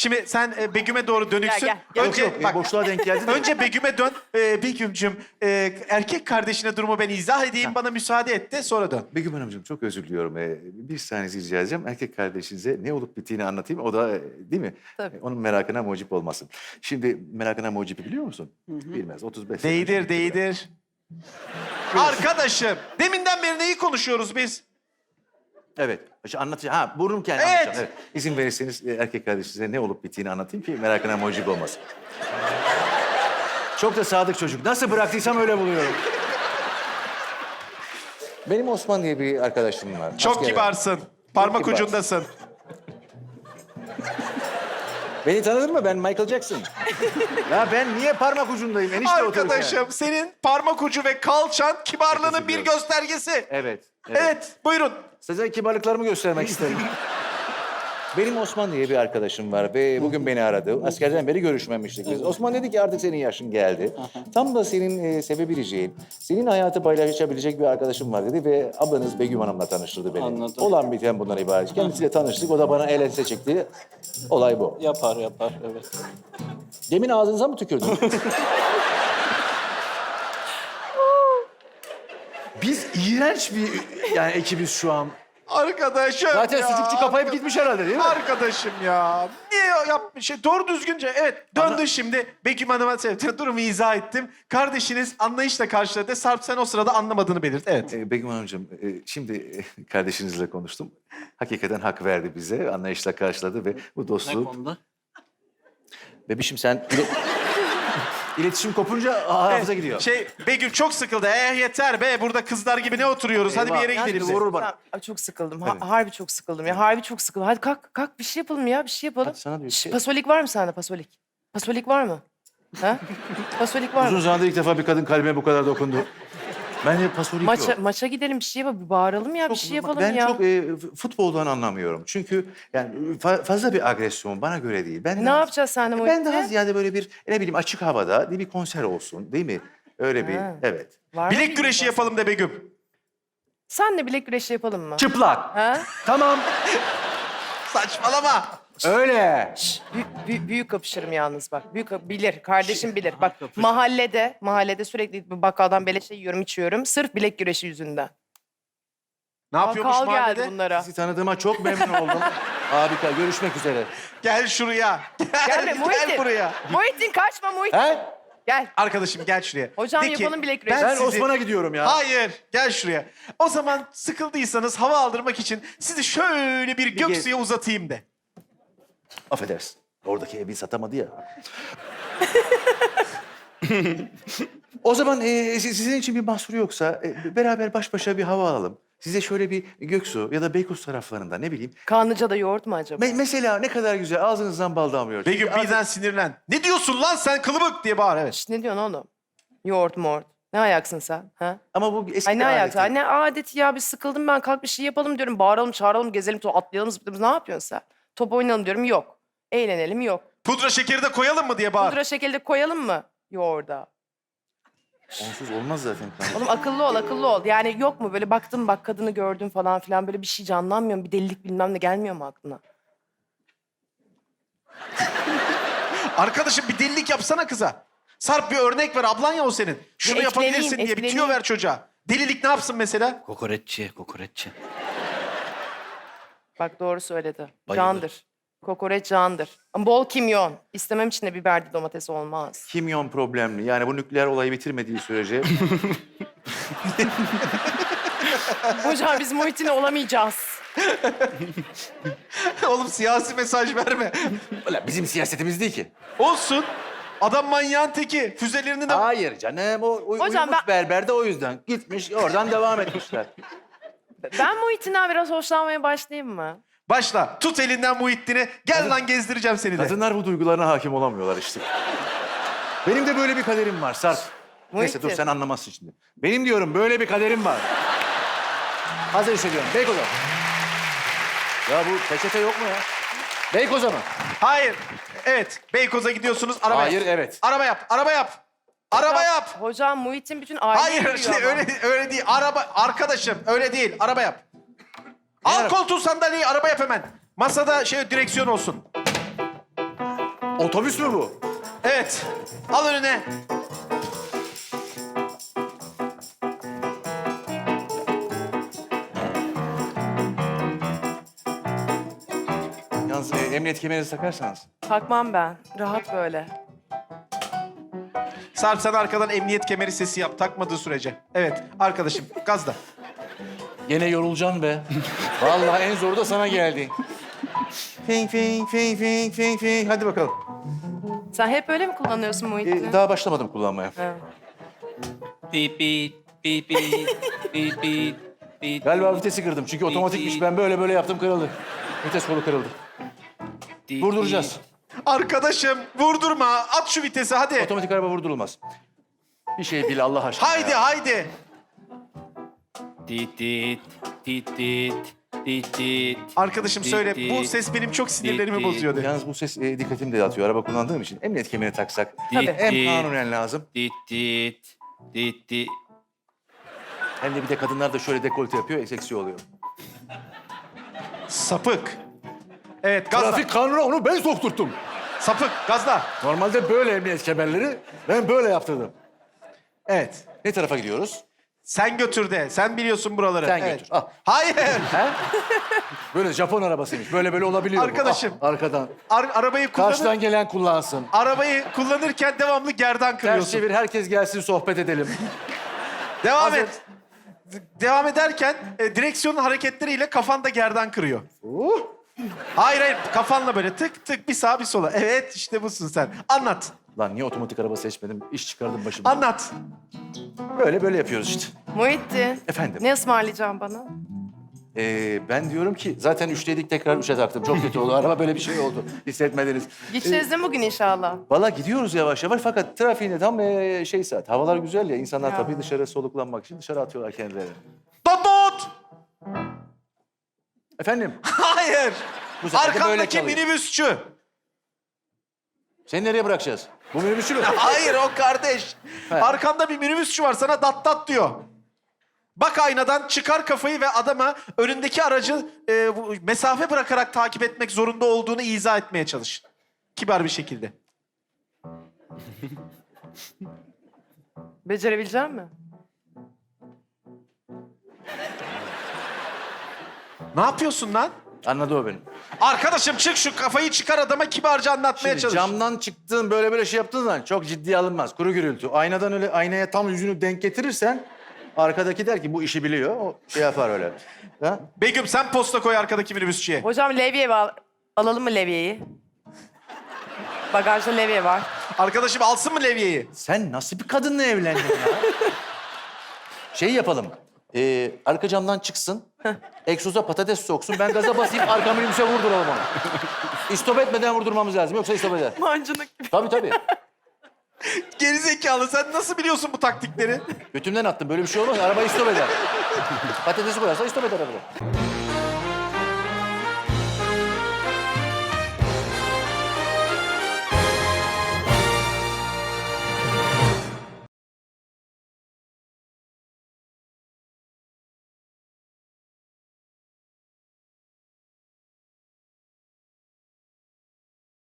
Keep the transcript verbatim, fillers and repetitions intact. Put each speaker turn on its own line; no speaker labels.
Şimdi sen e, Begüm'e doğru dönüksün.
Gel, gel.
Önce
Yok, yok,
bak,
boşluğa denk geldi de.
önce Begüm'e dön. E, Begüm'cüm e, erkek kardeşine durumu ben izah edeyim. Bana müsaade et de sonra dön.
Begüm Hanımcığım çok özür diliyorum. Ee, bir saniyenizi rica edeceğim. Erkek kardeşinize ne olup bittiğini anlatayım. O da e, değil mi?
Tabii.
E, Onun merakına mucip olmasın. Şimdi merakına mucibi biliyor musun? Bilmez. otuz beş sene
Değdir,
önce-
değdir. Arkadaşım, deminden beri neyi konuşuyoruz biz?
Evet. İşte anlatacağım. Ha burnum kendi
Evet.
anlatacağım. Evet. İzin verirseniz e, erkek kardeşinize ne olup bittiğini anlatayım ki merakına mucip olmasın. Çok da sadık çocuk. Nasıl bıraktıysam öyle buluyorum. Benim Osman diye bir arkadaşım var.
Çok
Askerde.
kibarsın. Parmak
kibarsın.
ucundasın.
Beni tanıdın mı? Ben Michael Jackson. Ya ben niye parmak ucundayım? Enişte otururken.
Arkadaşım, senin parmak ucu ve kalçan kibarlığının
Teşekkür
bir
ederim.
göstergesi. Evet.
Evet. Evet.
buyurun.
Size kibarlıklarımı göstermek isterim. Benim Osman diye bir arkadaşım var ve bugün beni aradı. Askerden beri görüşmemiştik biz. Osman dedi ki artık senin yaşın geldi. Tam da senin e, sevebileceğin, senin hayatı paylaşabilecek bir arkadaşım var dedi ve ablanız Begüm Hanım'la tanıştırdı beni.
Anladım.
Olan biten bundan ibaret. Kendisiyle tanıştık, o da bana el ense çekti. Olay bu.
Yapar yapar evet.
Demin ağzınıza mı tükürdün? Biz iğrenç bir yani ekibiz şu an.
Arkadaşım
Zaten
ya.
sucukçu kapayıp gitmiş herhalde değil mi?
Arkadaşım ya. Niye yapmış şey? Doğru düzgünce. Evet, döndün şimdi. Begüm Hanım'a sevdiğin durumu izah ettim. Kardeşiniz anlayışla karşıladı. Sarp sen o sırada anlamadığını belirt. Evet.
Ee, Begüm Hanımcığım, e, şimdi e, kardeşinizle konuştum. Hakikaten hak verdi bize, anlayışla karşıladı ve bu
Ne
dostluğu...
konuda?
Bebişim sen... ile- İletişim kopunca hafıza gidiyor.
Şey, Begüm çok sıkıldı. Eh yeter be, burada kızlar gibi ne oturuyoruz? Hadi bir yere
Eyvah.
gidelim.
Şimdi vurur bana.
Ay, çok sıkıldım. Ha-
Evet.
harbi çok sıkıldım ya. Harbi çok sıkıldım. Hadi kalk kalk bir şey yapalım ya. Bir şey yapalım.
Hadi sana da bir
Şş,
şey-
Pasolik var mı sende pasolik? Pasolik var mı? Ha? Pasolik var
Uzun
mı?
zamandır ilk defa bir kadın kalbime bu kadar dokundu. Ben de pasolik
Maça,
yok.
maça gidelim bir şey yapalım. Bir bağıralım ya. Bir şey yapalım
ben
ya.
çok e, f- futboldan anlamıyorum. Çünkü yani fa- fazla bir agresyon bana göre değil. Ben
Ne
daha-
yapacağız seninle
Ben
Muhittin?
daha ziyade böyle bir ne bileyim açık havada bir konser olsun değil mi? Öyle bir
Ha.
evet.
Var mı
Bilek
bir
güreşi
şey?
yapalım de Begüm.
Senle bilek güreşi yapalım mı?
Çıplak.
Ha?
Tamam.
Saçmalama.
Öyle.
Şş, büyük, büyük, büyük kapışırım yalnız bak. Büyük kap- bilir, kardeşim bilir. Bak mahallede, mahallede sürekli bir bakkaldan beleşe yiyorum, içiyorum. Sırf bilek güreşi yüzünden.
Ne yapıyormuş
Kal
mahallede?
geldi bunlara.
Sizi tanıdığıma çok memnun oldum. Harika. Görüşmek üzere.
Gel şuraya. Gel,
Gelme Muhittin.
gel buraya.
Muhittin kaçma Muhittin.
He?
Gel.
Arkadaşım gel şuraya.
Hocam
De ki,
yapalım bilek güreşi.
ben
Ben
sizi-
Osman'a gidiyorum ya.
Hayır, gel şuraya. O zaman sıkıldıysanız hava aldırmak için sizi şöyle bir göksuya uzatayım de.
Affedersin. Oradaki evi satamadı ya. O zaman e, si- sizin için bir mahsuru yoksa e, beraber baş başa bir hava alalım. Size şöyle bir Göksu ya da Beykoz taraflarında ne bileyim.
Kanlıca'da yoğurt mu acaba?
Me- mesela ne kadar güzel ağzınızdan bal damlıyor.
Begüm
Çünkü
birden sinirlen. Ne diyorsun lan sen kılıbık diye bağır evet.
Şş, ne diyorsun oğlum? Yoğurt mort. Ne ayaksın sen? Ha?
Ama bu eski
Ay ne
adeti.
ayaksın? Ay ne adeti ya? Bir sıkıldım ben. Kalk bir şey yapalım diyorum. Bağıralım, çağıralım, gezelim, to- atlayalım, zıplayalım. Ne yapıyorsun sen? Top oynayalım diyorum. Yok. Eğlenelim yok.
Pudra şekeri de koyalım mı diye bağır.
Pudra şekeri de koyalım mı yoğurda?
Onsuz olmaz zaten.
Oğlum akıllı ol, akıllı ol. Yani yok mu böyle baktım bak kadını gördüm falan filan böyle bir şey canlanmıyor mu? Bir delilik bilmem ne gelmiyor mu aklına?
Arkadaşım bir delilik yapsana kıza. Sarp bir örnek ver. Ablan ya o senin. Şunu
Ya
yapabilirsin
etkileneyim,
diye bir tüyo
etkileneyim.
ver çocuğa. Delilik ne yapsın mesela?
Kokoreççi, kokoreççi.
Bak doğru söyledi.
Bayılır.
Candır. Kokoreç candır. Ama bol kimyon. İstemem içinde biberli domates olmaz.
Kimyon problemli. Yani bu nükleer olayı bitirmediği sürece
Hocam biz Muhittin'le olamayacağız.
Oğlum siyasi mesaj verme.
Ulan bizim siyasetimiz değil ki.
Olsun. Adam manyağın teki. Füzelerini de...
Hayır canım. O uy-
Hocam
uyumuş
ben-
berber de o yüzden. Gitmiş oradan devam etmişler.
Ben Muhittin'den biraz hoşlanmaya başlayayım mı?
Başla. Tut elinden Muhittin'i. Gel lan gezdireceğim seni de.
Kadınlar bu duygularına hakim olamıyorlar işte. Benim de böyle bir kaderim var Sarp. Neyse dur
Muhittin.
sen anlamazsın şimdi. Benim diyorum böyle bir kaderim var. Hazır hissediyorum. Beykoz'a. Ya bu peçete yok mu ya? Beykoz'a mı?
Hayır. Evet. Beykoz'a gidiyorsunuz. Araba
Hayır,
yap.
evet.
Araba yap. Araba yap. Araba
Hocam-
yap.
Hocam Muhittin bütün aile
Hayır
yürüyor
işte
ama.
öyle öyle değil. Araba arkadaşım öyle değil. Araba yap. Al
araba?
koltuğu sandalyeyi araba yap hemen. Masada şey direksiyon olsun.
Otobüs mü bu?
Evet. Al önüne.
Yalnız e, emniyet kemerinizi takarsanız.
Takmam ben. Rahat böyle.
Sarp sen arkadan emniyet kemeri sesi yap takmadığı sürece. Evet arkadaşım gazla.
Gene yorulacaksın be. Vallahi en zoru da sana geldi. Fing fing fing fing fing fing. Hadi bakalım.
Sen hep öyle mi kullanıyorsun Muhittin?
Ee, daha başlamadım kullanmaya.
Evet.
Beep beep beep beep beep beep beep.
Galiba vitesi kırdım çünkü otomatikmiş. Ben böyle böyle yaptım kırıldı. Vites kolu kırıldı. Vurduracağız.
Arkadaşım vurdurma. At şu vitesi hadi.
Otomatik araba vurdurulmaz. Bir şey bil Allah aşkına.
Haydi
ya.
haydi.
Dit dit dit dit dit dit.
Arkadaşım söyle
Dit,
bu
dit,
ses benim çok sinirlerimi
dit,
bozuyordu.
Yalnız bu ses e, dikkatimi de dağıtıyor. Araba kullandığım için emniyet kemerini taksak.
Tabii.
Hem
Dit,
kanunen lazım.
dit dit dit dit.
Hem de bir de kadınlar da şöyle dekolte yapıyor, seksi oluyor.
Sapık. Evet gazla.
Trafik kanunu onu ben sokturttum.
Sapık gazla.
Normalde böyle emniyet kemerleri ben böyle yaptırdım.
Evet.
Ne tarafa gidiyoruz?
Sen götür de. Sen biliyorsun buraları.
Sen
Evet.
götür. Al.
Hayır.
He? Böyle Japon arabasıymış. Böyle böyle olabiliyor. bu.
Arkadaşım.
Al, arkadan.
Ar- arabayı kullanır,
Karşıdan gelen kullansın.
arabayı kullanırken devamlı gerdan
Ters
kırıyorsun.
çevir, herkes gelsin sohbet edelim.
Devam
Hazır.
et. D- Devam ederken e, direksiyonun hareketleriyle kafan da gerdan kırıyor.
Uh.
Hayır hayır kafanla böyle tık tık bir sağa bir sola. Evet işte busun sen. Anlat.
Lan niye otomatik araba seçmedim? İş çıkardım başıma.
Anlat.
Böyle böyle yapıyoruz işte.
Muhittin.
Efendim?
Ne ısmarlayacaksın bana?
Ee, ben diyorum ki zaten üçteydik tekrar üçe taktım. Çok kötü oldu. Araba böyle bir şey oldu. Hissetmediniz.
Gideceğiz değil mi bugün inşallah?
Valla gidiyoruz yavaş yavaş fakat trafiğinde tam ee, şey saat. Havalar güzel ya. İnsanlar
Ya.
tabii dışarı soluklanmak için dışarı atıyorlar kendilerini.
Babot!
Efendim?
Hayır.
Bu sefer de böyle
Arkandaki
kalıyor.
minibüsçü.
Seni nereye bırakacağız? Bu minibüsçü mü?
Hayır o kardeş.
He.
Arkanda bir minibüsçü var sana dat dat diyor. Bak aynadan çıkar kafayı ve adama önündeki aracı e, bu- mesafe bırakarak takip etmek zorunda olduğunu izah etmeye çalış. Kibar bir şekilde.
Becerebilecek misin?
Ne yapıyorsun lan?
Anladı o beni.
Arkadaşım çık şu kafayı çıkar adama kibarca anlatmaya
Şimdi
çalış.
camdan çıktığın böyle böyle şey yaptığın zaman çok ciddiye alınmaz. Kuru gürültü. Aynadan öyle aynaya tam yüzünü denk getirirsen arkadaki der ki bu işi biliyor. O şey yapar öyle. Ha?
Begüm sen posta koy arkadaki minibüsçüye.
Hocam levye var. Alalım mı levyeyi? Bagajda levye var.
Arkadaşım alsın mı levyeyi?
Sen nasıl bir kadınla evlendin ya? Şey yapalım. Ee, arka camdan çıksın. Egzoza patates soksun. Ben gaza basayım arka minibüse vurduralım onu. İstop etmeden vurdurmamız lazım. Yoksa istop eder.
Mancınık gibi.
Tabii tabii.
Gerizekalı sen nasıl biliyorsun bu taktikleri?
Götümden attım. Böyle bir şey olmaz. Araba istop eder. Patatesi koyarsa istop eder araba.